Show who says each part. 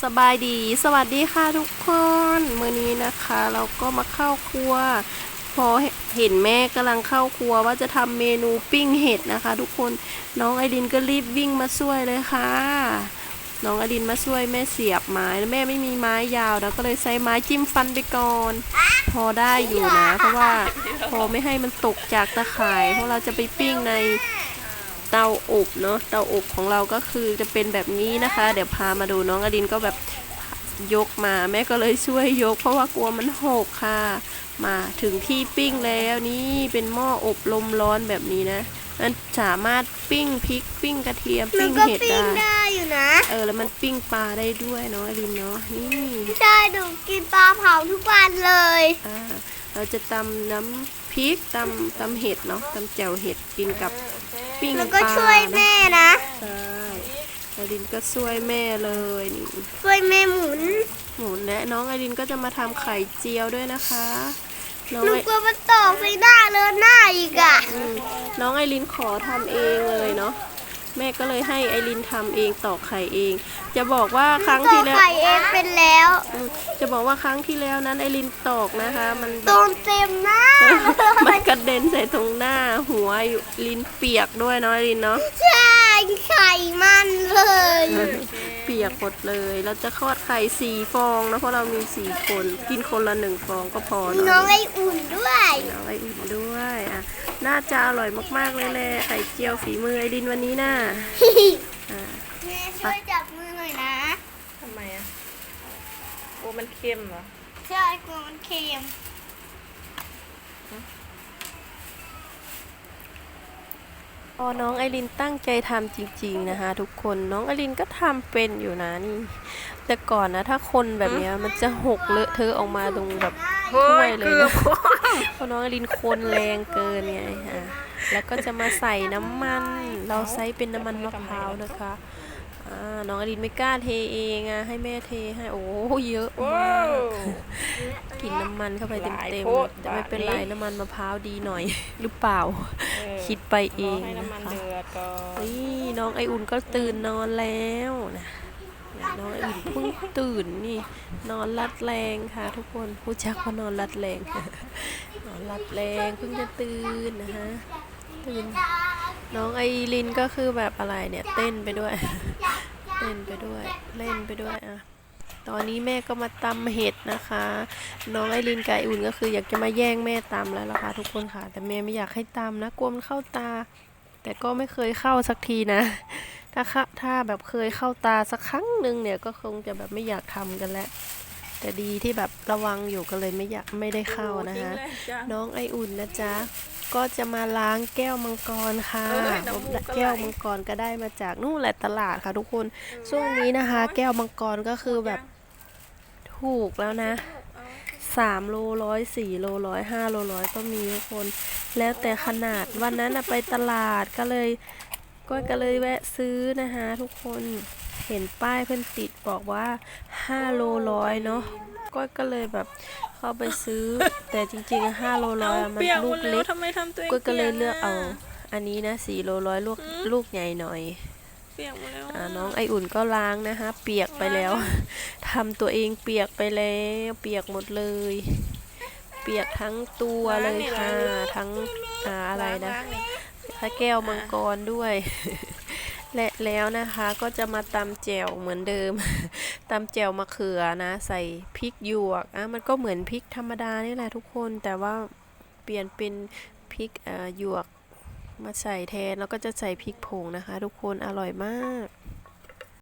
Speaker 1: สบายดีสวัสดีค่ะทุกคนมื้อนี้นะคะเราก็มาเข้าครัวพอเห็นแม่กำลังเข้าครัวว่าจะทำเมนูปิ้งเห็ดนะคะทุกคนน้องไอดินก็รีบวิ่งมาช่วยเลยค่ะน้องไอดินมาช่วยแม่เสียบไม้แม่ไม่มีไม้ยาวแล้วก็เลยใช้ไม้จิ้มฟันไปก่อนพอได้อยู่นะเพราะว่าพอไม่ให้มันตกจากตะข่ายเพราะเราจะไปปิ้งในเตาอบเนาะเตาอบของเราก็คือจะเป็นแบบนี้นะคะเดี๋ยวพามาดูน้องอดินก็แบบยกมาแม่ก็เลยช่วยยกเพราะว่ากลัวมันหกค่ะมาถึงที่ปิ้งแล้วนี่เป็นหม้ออบลมร้อนแบบนี้นะมันสามารถปิ้งพริกปิ้งกระเทียมปิ้งเห็ด
Speaker 2: ได้อยู่นะ
Speaker 1: แล้วมันปิ้งปลาได้ด้วยเนาะอดินเนาะนี่
Speaker 2: ใช่หนูกินปลาเผาทุกวันเลย
Speaker 1: เราจะตำน้ำพริกตำเห็ดเนาะตำแจ่วเห็ดกินกับปิ้งปลาแล้ว
Speaker 2: ก็ช่วยแม่นะ
Speaker 1: ใช่ไอรินก็ช่วยแม่เลยนี่
Speaker 2: ช่วยแม่หมุน
Speaker 1: และน้องไอรินก็จะมาทำไข่เจียวด้วยนะคะ
Speaker 2: หนูกลัวมันตกใส่หน้าเลยหน้าอีก
Speaker 1: น้องไอรินขอทำเองเลยเนาะแม่ก็เลยให้ไอรินทำเองตอกไข่เองจะบอกว่าครั้งที่แล้ว
Speaker 2: ไข่เองเป็นแล้ว
Speaker 1: จะบอกว่าครั้งที่แล้วนั้นไอรินตอกนะคะมัน
Speaker 2: โดนเต็มหน้า
Speaker 1: มันกระเด็นใส่ตรงหน้าหัวลิ้นเปียกด้วยเนาะไอรินเนาะ
Speaker 2: ใช่ไข่มันเลย
Speaker 1: เปียกหมดเลยเราจะทอดไข่4 ฟองนะเพราะเรามี4 คนกินคนละ1 ฟองก็พอ
Speaker 2: เนาะน้องไออุ่นด้วย
Speaker 1: น้องไออุ่นด้วยน่าจะอร่อยมากๆเลยแหละไข่เจียวฝีมือไอรินวันนี้น่ะ
Speaker 2: แม่ช่วยจับมือหน่อยนะ
Speaker 3: ทำไมโอ้มันเค็มเหรอ
Speaker 2: ใช่กลัวมันเค็ม
Speaker 1: น้องไอรินตั้งใจทำจริงๆนะคะทุกคนน้องไอรินก็ทำเป็นอยู่นะนี่แต่ก่อนนะถ้าคนแบบนี้มันจะหกเลอะเทอะออกมาตรงแบบถ้วยเลยนะเพราะน้องไอรินคนแรงเกินไงแล้วก็จะมาใส่น้ำมันเราใช้เป็นน้ำมันมะพร้าวนะคะน้องอดินไม่กล้าเทเองให้แม่เทให้โอ้เยอะมากกินน้ำมันเข้าไปเต็มๆแต่ไม่เป็นไรน้ำมันมะพร้าวดีหน่อยหรือเปล่าคิดไปเองนะคะนี่น้องไออุ่นก็ตื่นนอนแล้วนะน้องไออุ่นเพิ่งตื่นนี่นอนรัดแรงค่ะทุกคนผู้จักว่านอนรัดแรงนอนรัดแรงเพิ่งจะตื่นนะคะตื่นน้องไอรินก็คือแบบอะไรเนี่ยเต้นไปด้วยเต้นไปด้วยเล่นไปด้วยตอนนี้แม่ก็มาตำเห็ดนะคะน้องไอรินกับไออุ่นก็คืออยากจะมาแย่งแม่ตำแล้วล่ะค่ะทุกคนค่ะแต่แม่ไม่อยากให้ตำนะกลัวมันเข้าตาแต่ก็ไม่เคยเข้าสักทีนะถ้าแบบเคยเข้าตาสักครั้งหนึ่งเนี่ยก็คงจะแบบไม่อยากทำกันแล้วแต่ดีที่แบบระวังอยู่ก็เลยไม่ได้เข้านะคะน้องไออุ่นนะจ๊ะก็จะมาล้างแก้วมังกรค่ะแก้วมังกรก็ได้มาจากนู่นแหละตลาดค่ะทุกคนช่วงนี้นะคะแก้วมังกรก็คือแบบถูกแล้วนะ3 โล100 4 โล100 5 โล100ก็มีทุกคนแล้วแต่ขนาดวันนั้นไปตลาดก็เลยแวะซื้อนะคะทุกคนเห็นป้ายเพิ่นติดบอกว่า5 โล100เนาะก็เลยแบบเข้าไปซื้อแต่จริงๆ5 โล100มันลูกเล็กก็เลยเลือกเอาอันนี้นะ4 โล100ลูกใหญ่หน่อยน้องไออุ่นก็ล้างนะคะเปียกไปแล้วทำตัวเองเปียกไปแล้วเปียกหมดเลยเปียกทั้งตัวเลยค่ะทั้งอะไรนะแก้วมังกรด้วยและแล้วนะคะก็จะมาตำแจ่วเหมือนเดิมตำแจ่วมะเขือนะใส่พริกหยวกมันก็เหมือนพริกธรรมดานี่แหละทุกคนแต่ว่าเปลี่ยนเป็นพริกหยวกมาใส่แทนแล้วก็จะใส่พริกผงนะคะทุกคนอร่อยมาก